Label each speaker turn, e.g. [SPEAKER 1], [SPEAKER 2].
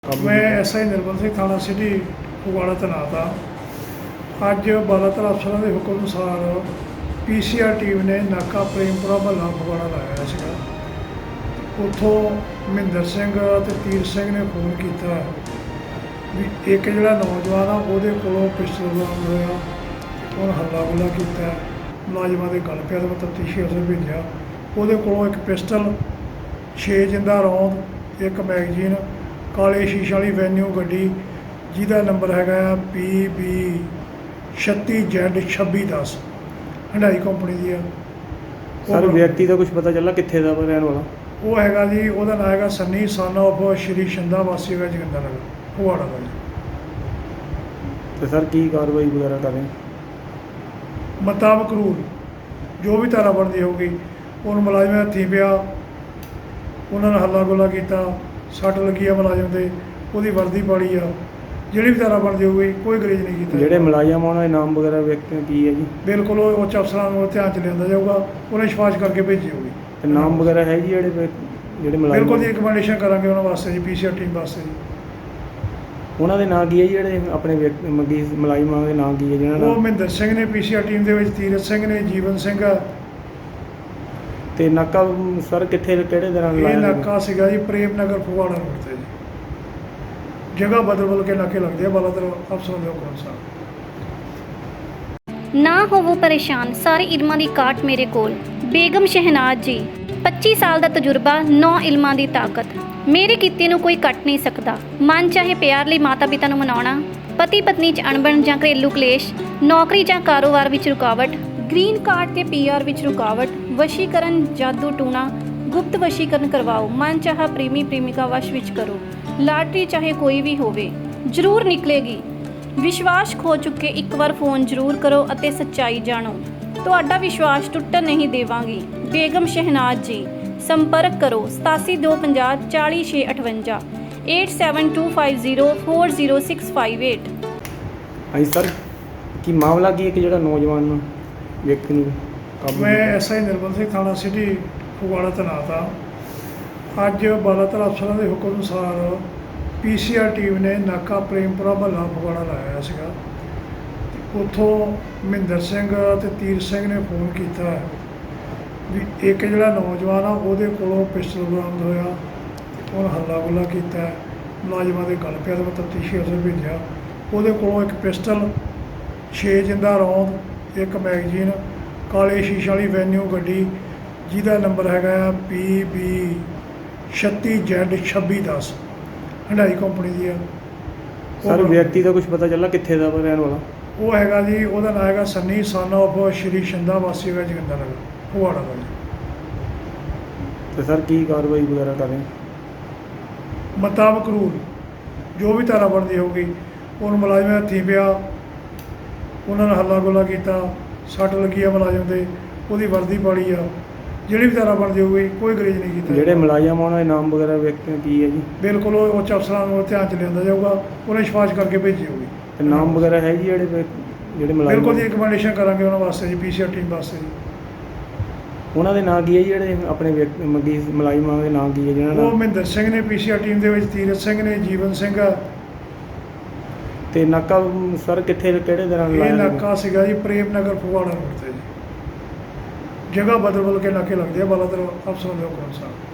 [SPEAKER 1] मैं एसआई निर्मल सिंह थाना सिटी फगवाड़ा तैनात हाँ। अज बालातर अफसरों के हुक्म अनुसार पीसीआर टीम ने नाका प्रेमपुरा महला फगवाड़ा लाया सीगा। उत्थों महिंदर सिंह ते तीर सिंह ने फोन किया भी एक जिहड़ा नौजवान आ उहदे कोलों पिस्टल बरामद होया, उन्हें हल्ला गुल्ला किया, मुलाजमान के गल पिया, मैं तफ्तीशी अफसर भेजा। उहदे कोलों एक पिस्टल, 6 जिंदा रौंद, एक मैगजीन, काले शीशे वाली वैन्यू गड्डी जिहदा नंबर हैगा PB 36Z2610 हंडाई कंपनी दी है।
[SPEAKER 2] सर व्यक्ति का कुछ पता चला कित्थे दा रहने वाला?
[SPEAKER 1] वो हैगा जी, ਉਹਦਾ नाम हैगा सन्नी सन ऑफ श्री शिंदा वासी है जोगिंदर नगर फगवाड़ा का जी।
[SPEAKER 2] तो सर की कार्रवाई वगैरह करें?
[SPEAKER 1] मुताबिक रूल जो भी धारा बनती होगी उन मुलाजम हथी पिया, उन्होंने हल्ला गुल्ला किया, सट लगी है मुलाजम से, वो वर्दी पाड़ी आ, जी भी धारा बनती होगी कोई गरेज नहीं किया।
[SPEAKER 2] ਜਿਹੜੇ ਮੁਲਾਜ਼ਮ ਉਹਨਾਂ ਦੇ ਨਾਮ ਵਗੈਰਾ ਵਿਅਕਤੀ ਕੀ ਹੈ ਜੀ?
[SPEAKER 1] बिल्कुल उच्च अफसरान को ध्यान च लिया जाऊगा, उन्हें सिफारिश करके भेजी होगी।
[SPEAKER 2] ਤੇ ਨਾਮ ਵਗੈਰਾ ਹੈ ਜੀ ਜਿਹੜੇ ਮੁਲਾਜ਼ਮ?
[SPEAKER 1] बिल्कुल जी रिकमेंडेशन करा उन्होंने वास्ते जी पीसीआर टीम वास्ते जी।
[SPEAKER 2] ਉਹਨਾਂ ਦੇ ਨਾਂ ਕੀ ਹੈ ਜੀ ਜਿਹੜੇ ਆਪਣੇ ਮੁਲਾਜ਼ਮਾਂ ਦੇ ਨਾਂ ਕੀ ਹੈ ਜਿਹਨਾਂ
[SPEAKER 1] वो
[SPEAKER 2] ਨਾਲ?
[SPEAKER 1] महिंदर सिंह ने पीसीआर टीम के तीरथ सिंह ने, जीवन सिंह है।
[SPEAKER 2] ਤੇ ਨਾਕਾ ਸਰ ਕਿੱਥੇ ਕਿਹੜੇ ਦਿਨਾਂ
[SPEAKER 1] ये
[SPEAKER 2] ਲਾਇਆ?
[SPEAKER 1] नाका सीगा जी प्रेम नगर फगवाड़ा रोड से जी। जगह बदल बदल के नाके लगते हैं बालातर अफसरों के हुक्म अनुसार।
[SPEAKER 3] ना होवो परेशान, सारे इल्मां दी काट मेरे कोल। बेगम शहनाज जी, 25 साल दा तजुर्बा, 9 इल्मां दी ताकत। मेरे किते नूं कोई कट नहीं सकदा। मन चाहे प्यार लई माता पिता नूं मनाउणा, पति पत्नी च अणबण जां घरेलू कलेश, नौकरी जां कारोबार विच रुकावट, ग्रीन कार्ड ते PR विच रुकावट, वशीकरण जादू टूणा, गुप्त वशीकरण करवाओ, मन चाहा प्रेमी प्रेमिका वश विच करो, लाटरी चाहे कोई भी होवे जरूर निकलेगी। विश्वास खो चुके एक बार फोन जरूर करो अते सच्चाई जानो, तुहाडा विश्वास टुटन नहीं देवांगी। बेगम शहनाज जी, संपर्क करो 8725 40658 8725040658।
[SPEAKER 2] ਹਾਂਜੀ ਸਰ ਕੀ ਮਾਮਲਾ ਕੀ ਹੈ ਕਿ ਜਿਹੜਾ ਨੌਜਵਾਨ ਵਿਅਕਤੀ ਨੂੰ ਕਾਬੂ
[SPEAKER 1] मैं एसआई निर्मल सिंह थाना सिटी फगवाड़ा तैनात हाँ। अज बालातर अफसरों के हुक्म अनुसार पीसीआर टीम ने नाका प्रेमपुरा महला फगवाड़ा लाया सीगा। उत्थों महिंदर सिंह ते तीर सिंह ने फोन किया भी एक जिहड़ा नौजवान आ उहदे कोलों पिस्टल बरामद होया, उन्हें हल्ला गुल्ला किया, मुलाजमान के गल पिया, मैं तफ्तीशी अफसर भेजा। उहदे कोलों एक पिस्टल, 6 जिंदा रौंद, एक मैगजीन, काले शीशे वाली वैन्यू गड्डी जिहदा नंबर हैगा PB 36Z2610 हंडाई कंपनी दी है।
[SPEAKER 2] ਸਰ ਵਿਅਕਤੀ ਦਾ ਕੁਝ ਪਤਾ ਚੱਲਾ ਕਿੱਥੇ ਦਾ ਰਹਿਣ ਵਾਲਾ?
[SPEAKER 1] वो हैगा जी, ਉਹਦਾ नाम हैगा सन्नी सन ऑफ श्री शिंदा वासी है जोगिंदर नगर फगवाड़ा का जी।
[SPEAKER 2] ਤੇ ਸਰ ਕੀ कार्रवाई वगैरह करें?
[SPEAKER 1] मुताबिक रूल जो भी धारा बनती होगी उन मुलाजम हथी पिया, उन्होंने हल्ला गुल्ला किया, सट लगी है मुलाजम से, वो वर्दी पाड़ी आ, जी भी धारा बनती होगी कोई गरेज नहीं किया।
[SPEAKER 2] ਜਿਹੜੇ ਮੁਲਾਜ਼ਮ ਉਹਨਾਂ ਦੇ ਨਾਮ ਵਗੈਰਾ ਵਿਅਕਤੀ ਕੀ ਹੈ ਜੀ?
[SPEAKER 1] बिल्कुल उच्च अफसरान को ध्यान च लिया जाऊगा, उन्हें सिफारिश करके भेजी होगी।
[SPEAKER 2] ਤੇ ਨਾਮ ਵਗੈਰਾ ਹੈ ਜੀ ਜਿਹੜੇ ਮੁਲਾਜ਼ਮ?
[SPEAKER 1] बिल्कुल जी रिकमेंडेशन करा उन्होंने वास्ते जी पीसीआर टीम वास्ते जी।
[SPEAKER 2] ਉਹਨਾਂ ਦੇ ਨਾਂ ਕੀ ਹੈ ਜੀ ਜਿਹੜੇ ਆਪਣੇ ਮੁਲਾਜ਼ਮਾਂ ਦੇ ਨਾਂ ਕੀ ਹੈ ਜਿਹਨਾਂ
[SPEAKER 1] वो
[SPEAKER 2] ਨਾਲ?
[SPEAKER 1] महिंदर सिंह ने पीसीआर टीम के तीरथ सिंह ने, जीवन सिंह है।
[SPEAKER 2] ਤੇ ਨਾਕਾ ਸਰ ਕਿੱਥੇ ਕਿਹੜੇ ਦਿਨਾਂ
[SPEAKER 1] ये
[SPEAKER 2] ਲਾਇਆ?
[SPEAKER 1] नाका सीगा जी प्रेम नगर फगवाड़ा रोड से जी। जगह बदल बदल के नाके लगते हैं बालातर अफसरों के हुक्म अनुसार।